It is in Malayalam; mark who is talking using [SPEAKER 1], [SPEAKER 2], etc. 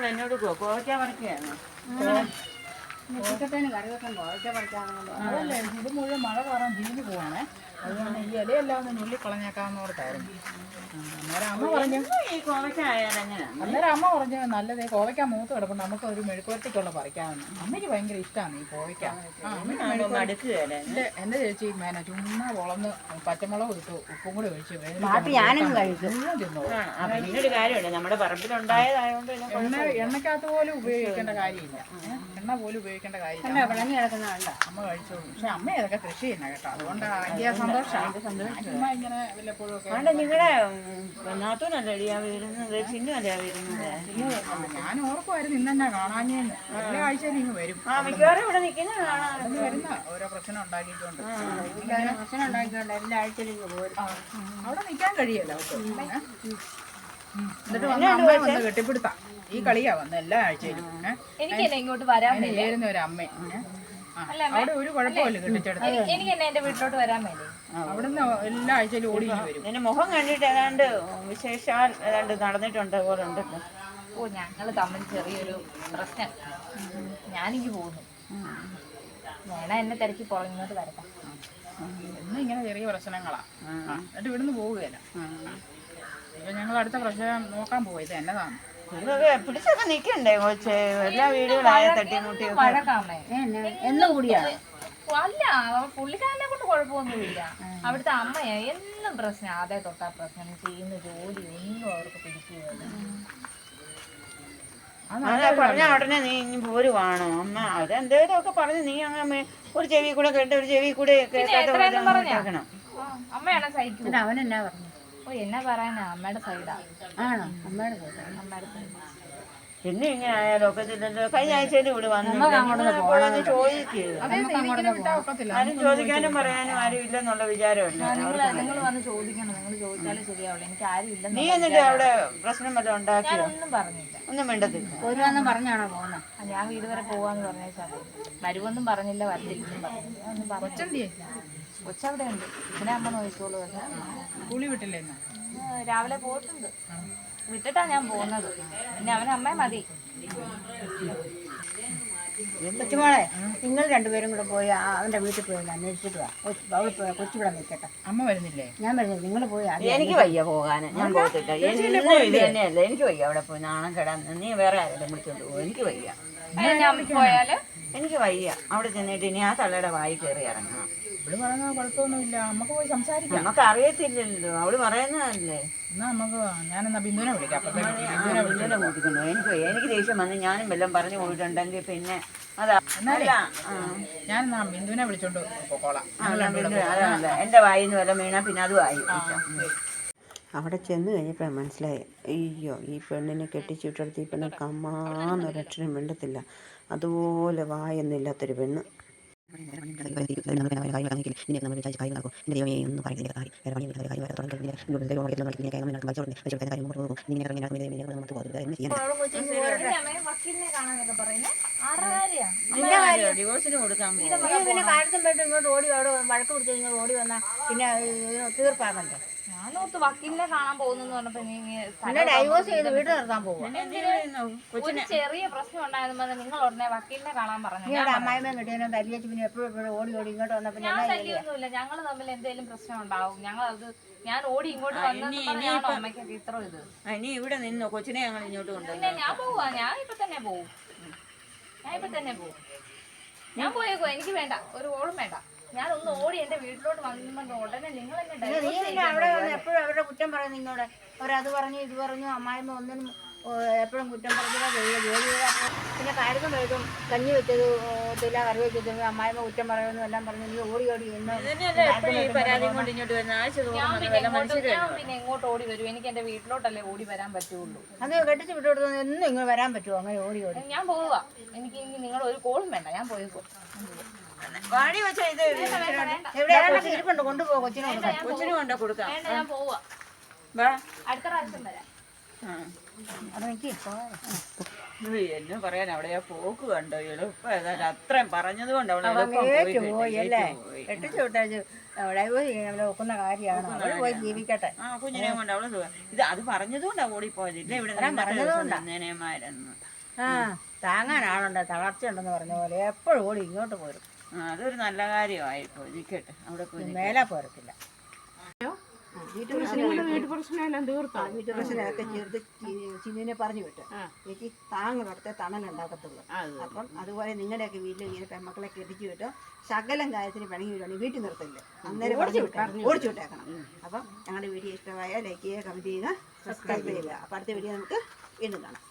[SPEAKER 1] എന്നോട് കോവയ്ക്ക പറിക്കുകയാണ്.
[SPEAKER 2] അതല്ലേ ഇത് മുഴുവൻ മഴ കാരണം ചീഞ്ഞു പോവാണേ. അതുകൊണ്ട് ഈ ഇലയെല്ലാം ഒന്ന് നുള്ളിക്കളഞ്ഞേക്കാവുന്നവർക്കായിരുന്നു. അന്നേരം അമ്മ പറഞ്ഞു
[SPEAKER 1] ഈ കോവയ്ക്ക ആയാലും എങ്ങനെയാണ്?
[SPEAKER 2] അന്നേരം അമ്മ പറഞ്ഞു നല്ലത് കോവയ്ക്ക മൂത്ത് കിടപ്പുണ്ട്, നമുക്ക് ഒരു മെഴുക്കുവരട്ടിക്കുള്ള പറിക്കാമെന്ന്. അമ്മയ്ക്ക് ഭയങ്കര ഇഷ്ടമാണ് ഈ കോവയ്ക്ക. എന്റെ ചേച്ചി മേന ചുമ്മാ വളർന്ന് പച്ചമുളക് ഇട്ടു ഉപ്പും കൂടി ഒഴിച്ച്
[SPEAKER 1] പിന്നൊരു കാര്യമുണ്ട്, നമ്മുടെ പറമ്പിലുണ്ടായതായതുകൊണ്ട്
[SPEAKER 2] എണ്ണക്കകത്ത് പോലും ഉപയോഗിക്കേണ്ട കാര്യമില്ല. എണ്ണ പോലും ഉപയോഗിക്കേണ്ട കാര്യമില്ല. അമ്മ കഴിച്ചോളൂ. പക്ഷെ അമ്മ ഇതൊക്കെ കൃഷി ചെയ്യുന്ന കേട്ടോ, അതുകൊണ്ട് അതിന്റെ സന്തോഷമാണ്. ഇങ്ങനെ വല്ലപ്പോഴും ഒക്കെ
[SPEAKER 1] നിങ്ങളുടെ നാത്തൂനല്ലേ വരുന്നത്, ചിന്നുവല്ലേ വരുന്നത്?
[SPEAKER 2] ഞാൻ ഓർക്കുമായിരുന്നു ഇന്നെന്നാ കാണാഞ്ഞേന്ന്. എല്ലാ ആഴ്ചയിലും ഇങ്ങ് വരും.
[SPEAKER 1] മിക്കവാറും ഇവിടെ നിൽക്കുന്ന
[SPEAKER 2] വരുന്ന ഓരോ പ്രശ്നം ഉണ്ടാക്കിയിട്ടുണ്ട്.
[SPEAKER 1] എല്ലാ ആഴ്ചയിലും ഇങ്ങ് പോരും.
[SPEAKER 2] അവിടെ നിൽക്കാൻ കഴിയല്ല അവർക്ക്. എന്നിട്ട് വന്ന് അമ്മ വന്ന് കെട്ടിപ്പിടുത്താം. ഈ കളിയാ വന്ന് എല്ലാ ആഴ്ചയിലും.
[SPEAKER 3] എനിക്കല്ലേ ഇങ്ങോട്ട് വരാൻ
[SPEAKER 2] ചേരുന്ന ഒരു അമ്മ. അവിടെ ഒരു കുഴപ്പമില്ല കെട്ടിച്ചെടുത്ത്.
[SPEAKER 3] എനിക്ക് എന്നെ എന്റെ വീട്ടിലോട്ട് വരാൻ വേണ്ടി
[SPEAKER 2] അവിടുന്ന് എല്ലാ ആഴ്ചയിലും ഓടി വരും.
[SPEAKER 1] എന്റെ മുഖം കണ്ടിട്ട് ഏതാണ്ട് വിശേഷാൽ ഏതാണ്ട് നടന്നിട്ടുണ്ട് പോലെ ഉണ്ടല്ലോ.
[SPEAKER 3] ഓ ഞങ്ങൾ തമ്മിൽ ചെറിയൊരു പ്രശ്നം. ഞാനിങ്ങ് പോകുന്നു, വേണം എന്നെ തിരക്കി പുറങ്ങിട്ട് വരട്ടെ.
[SPEAKER 2] ഇന്ന് ഇങ്ങനെ ചെറിയ പ്രശ്നങ്ങളാ. എന്നിട്ട് ഇവിടുന്ന് പോവുകയല്ല. ഇപ്പൊ ഞങ്ങൾ അടുത്ത പ്രശ്നം നോക്കാൻ പോവാ. ഇത് എന്നതാണ്
[SPEAKER 1] പിടിച്ചൊക്കെ നിക്കണ്ടേ കൊച്ചേ? എല്ലാ വീടുകളായ തട്ടിമുട്ടി
[SPEAKER 3] എന്നും കൂടിയാണ്. അല്ല, പുള്ളിക്കാരനെ കൊണ്ട് കുഴപ്പമൊന്നുമില്ല. അവിടുത്തെ അമ്മയാ എന്നും പ്രശ്നം. അതേ തൊട്ടാ പ്രശ്നം. ചെയ്യുന്ന ജോലി ഒന്നും അവർക്ക് പിടിക്കുകയില്ല.
[SPEAKER 1] പറഞ്ഞ ഉടനെ നീ ഇനി പോരുവാണോ അമ്മ? അതെന്തേലും ഒക്കെ പറഞ്ഞ് നീ അങ്ങനെ ഒരു ചെവി കൂടെ കേട്ട് ഒരു ചെവി കൂടെ കേൾക്കണം.
[SPEAKER 3] അമ്മയാണോ സഹിക്കും?
[SPEAKER 4] അവനെന്നാ പറഞ്ഞു?
[SPEAKER 3] ഓ എന്നാ പറയാനാ, അമ്മയുടെ സൈഡാ.
[SPEAKER 4] ആണോ? അമ്മയുടെ സൈഡ്.
[SPEAKER 3] അമ്മയുടെ സൈഡ്
[SPEAKER 1] പിന്നെ ഇങ്ങനെ ആയാലും ഒക്കത്തില്ലല്ലോ. കഴിഞ്ഞ ആഴ്ചയിൽ ഇവിടെ വന്നു ചോദിക്കുക. ആരും ചോദിക്കാനും പറയാനും ആരും ഇല്ലെന്നുള്ള വിചാരമല്ല.
[SPEAKER 3] നിങ്ങൾ വന്ന് ചോദിക്കണം. നിങ്ങൾ ചോദിച്ചാലേ ശരിയാവുള്ളൂ. എനിക്ക് ആരും ഇല്ല.
[SPEAKER 1] നീ എന്നിട്ട് അവിടെ പ്രശ്നം വല്ലതും ഉണ്ടാക്കിയോ?
[SPEAKER 3] ഒന്നും പറഞ്ഞില്ല.
[SPEAKER 1] ഒന്നും മിണ്ടത്തില്ല.
[SPEAKER 4] ഒരുവെന്നും പറഞ്ഞാണോ പോകുന്നത്?
[SPEAKER 3] ഞാൻ വീട് വരെ പോവാന്ന് പറഞ്ഞാൽ വരുവൊന്നും പറഞ്ഞില്ല, വരത്തില്ലെന്നും പറഞ്ഞില്ല. ഒന്നും പറഞ്ഞില്ല. കൊച്ചവിടെ ഉണ്ട്. പിന്നെ അമ്മ നോക്കിക്കോളൂ.
[SPEAKER 2] കൂലി വിട്ടില്ലേ?
[SPEAKER 3] രാവിലെ പോയിട്ടുണ്ട്. വിട്ടിട്ടാ ഞാൻ പോകുന്നത്. പിന്നെ അവന് അമ്മയെ മതി.
[SPEAKER 4] കൊച്ചുമോളെ, നിങ്ങൾ രണ്ടുപേരും കൂടെ പോയി അവന്റെ വീട്ടിൽ പോയി അന്വേഷിച്ചിട്ട് വാ. അവള് കൊച്ചുവിടെ നിൽക്കട്ടെ.
[SPEAKER 2] അമ്മ വരുന്നില്ലേ?
[SPEAKER 4] ഞാൻ വരുന്നത്. നിങ്ങൾ പോയി.
[SPEAKER 1] എനിക്ക് വയ്യ പോകാൻ. ഞാൻ പോകത്തില്ല. ഇത് തന്നെയല്ല, എനിക്ക് വയ്യ അവിടെ പോയി നാണം കെടാൻ. നീ വേറെ ആരെങ്കിലും വിളിച്ചോണ്ട് പോകും. എനിക്ക് വയ്യ.
[SPEAKER 3] ഞാൻ പോയാല്
[SPEAKER 1] എനിക്ക് വയ്യ. അവിടെ ചെന്നിട്ട് ഇനി ആ തള്ളയുടെ വായി കയറി ഇറങ്ങണം.
[SPEAKER 2] ഇവിടെ പറയുന്ന കുഴപ്പമൊന്നുമില്ല. നമുക്ക് പോയി സംസാരിക്കാം.
[SPEAKER 1] നമുക്ക് അറിയത്തില്ലല്ലോ, അവള് പറയുന്നതല്ലേ.
[SPEAKER 2] എന്നാ നമുക്ക് ഞാനെന്നാ ബിന്ദുവിനെ വിളിക്കാം.
[SPEAKER 1] ബിന്ദുവിനെ കൂട്ടിക്കൊണ്ടു. എനിക്ക് ദേഷ്യം വന്ന് ഞാനും വല്ലതും പറഞ്ഞു പോയിട്ടുണ്ടെങ്കിൽ പിന്നെ അതാ
[SPEAKER 2] ഞാനെന്നാ ബിന്ദുവിനെ വിളിച്ചോണ്ട് പോക്കോളാം.
[SPEAKER 1] അതല്ല, എന്റെ വായിന്ന് വല്ല വീണാ പിന്നെ അതും ആയി.
[SPEAKER 5] അവിടെ ചെന്ന് കഴിഞ്ഞപ്പോൾ മനസ്സിലായി, അയ്യോ ഈ പെണ്ണിനെ കെട്ടിച്ചിട്ടെടുത്ത് ഈ പെണ്ണ് കമ്മാന്നൊരക്ഷരം മിണ്ടത്തില്ല. അതുപോലെ വായൊന്നുമില്ലാത്തൊരു പെണ്ണ്.
[SPEAKER 1] ഡിവോഴ്സിന് കൊടുക്കാൻ
[SPEAKER 4] പിന്നെ കാര്യത്തും പോയിട്ട് ഇങ്ങോട്ട് ഓടി അവിടെ വഴക്ക് പിടിച്ച് ഇങ്ങോട്ട് ഓടി വന്നാൽ പിന്നെ തീർപ്പാകണ്ടേ?
[SPEAKER 3] ഞാനോർത്ത് വക്കീലിനെ കാണാൻ പോകുന്നു പറഞ്ഞപ്പോ
[SPEAKER 4] പിന്നെ ഡൈവോഴ്സ് ചെയ്ത് വീട് നിർത്താൻ പോകും.
[SPEAKER 3] ഒരു ചെറിയ പ്രശ്നം ഉണ്ടായിരുന്നു. നിങ്ങൾ ഉടനെ വക്കീലിനെ കാണാൻ പറഞ്ഞു.
[SPEAKER 4] അമ്മായിമ്മ കിട്ടിയാലും തല്ലിച്ച് പിന്നെ എപ്പോഴും ഓടി ഇങ്ങോട്ട് വന്ന പിന്നെ
[SPEAKER 3] തല്ലിയൊന്നുമില്ല. ഞങ്ങൾ തമ്മിൽ എന്തെങ്കിലും പ്രശ്നം ഉണ്ടാവും. ഞാൻ ഓടി ഇങ്ങോട്ട് വന്നോ അമ്മയ്ക്കൊക്കെ ഇത്ര ഇത്.
[SPEAKER 1] ഇനി ഇവിടെ നിന്നോ കൊച്ചിനെ ഞങ്ങൾ ഇങ്ങോട്ട് കൊണ്ടുവന്നു.
[SPEAKER 3] പിന്നെ ഞാൻ പോവാ. ഞാൻ ഇപ്പൊ തന്നെ പോവും. ഞാൻ പോയേക്കോ. എനിക്ക് വേണ്ട, ഒരു ഓളും വേണ്ട. ഞാൻ ഒന്ന് ഓടി എന്റെ വീട്ടിലോട്ട് വന്നു ഉടനെ നിങ്ങൾ
[SPEAKER 4] അവിടെ എപ്പോഴും അവരുടെ കുറ്റം പറയുന്നു. നിന്നോട് അവരത് പറഞ്ഞു ഇത് പറഞ്ഞു. അമ്മായിമ്മ ഒന്നിനും എപ്പോഴും കുറ്റം പറഞ്ഞാൽ ജോലി ചെയ്താൽ പിന്നെ കാര്യത്തും വഴുതും കഞ്ഞി വെച്ചത് ഒത്തില്ല, കറി വെച്ചത് അമ്മായിമ്മ കുറ്റം പറയുന്നു എല്ലാം പറഞ്ഞു. നീ ഓടി
[SPEAKER 3] പിന്നെ എങ്ങോട്ട് ഓടി വരും? എനിക്ക് എന്റെ വീട്ടിലോട്ടല്ലേ ഓടി വരാൻ പറ്റുള്ളൂ.
[SPEAKER 4] അത് കെട്ടിച്ച് വിട്ടുകൊടുത്തു എന്നും ഇങ്ങനെ വരാൻ പറ്റുമോ? അങ്ങനെ ഓടി
[SPEAKER 3] ഞാൻ പോവുക. എനിക്ക് നിങ്ങൾ ഒരു കോളും വേണ്ട. ഞാൻ പോയിക്കോ.
[SPEAKER 4] എവിടെയാണ് ഇരിപ്പുണ്ട്? കൊണ്ടുപോകും.
[SPEAKER 1] കൊച്ചിന് കൊണ്ടു കൊടുക്കാം.
[SPEAKER 3] ഞാൻ പോവാ. അടുത്ത പ്രാവശ്യം വരാം.
[SPEAKER 1] എന്നെ പറയാൻ അവിടെ പോക്ക് കണ്ടോ? എളുപ്പം ഏതായാലും അത്രയും പറഞ്ഞത് കൊണ്ട്
[SPEAKER 4] പോയി അല്ലേ? കെട്ടിച്ചു വിട്ടു അവിടെ പോയി നോക്കുന്ന കാര്യമാണ് അവൾ പോയി ജീവിക്കട്ടെ.
[SPEAKER 1] ആ കുഞ്ഞിനെ കൊണ്ട് അവള് ഇത് അത് പറഞ്ഞതുകൊണ്ടാ ഓടിപ്പോയത്. ഇല്ല ഇവിടെ നിന്നേമാരെന്ന്
[SPEAKER 4] താങ്ങാനാളുണ്ട്, തളർച്ച ഉണ്ടെന്ന് പറഞ്ഞ പോലെ എപ്പോഴും ഓടി ഇങ്ങോട്ട് പോരും.
[SPEAKER 1] അതൊരു നല്ല കാര്യമായിപ്പോ. ഇരിക്കട്ടെ, അവിടെ പോയി
[SPEAKER 4] മേലെ പോരത്തില്ല.
[SPEAKER 2] വീട്ടുപ്രശ്നമെല്ലാം തീർത്താ?
[SPEAKER 4] വീട്ടുപ്രശ്നമൊക്കെ ചേർത്ത് ചിന്നിനെ പറഞ്ഞു വിട്ടു. എനിക്ക് താങ്ങുന്നിടത്തെ തണലുണ്ടാക്കത്തുള്ളൂ. അപ്പം അതുപോലെ നിങ്ങളുടെയൊക്കെ വീട്ടിൽ ഇങ്ങനെ പെൺമക്കളെ കെട്ടിച്ചു വിട്ടോ ശകലം കാര്യത്തിന് പിണങ്ങി വിടുവാണെങ്കിൽ വീട്ടിൽ നിർത്തില്ല, അന്നേരം ഓടിച്ചു വിട്ടേക്കണം. അപ്പം ഞങ്ങളുടെ വീഡിയോ ഇഷ്ടമായ ലൈക്ക് ചെയ്യുക, കമൻറ്റ് ചെയ്യുക, സബ്സ്ക്രൈബ് ചെയ്യുക. അപ്പം അടുത്ത വീഡിയോ നമുക്ക് വീണ്ടും കാണാം.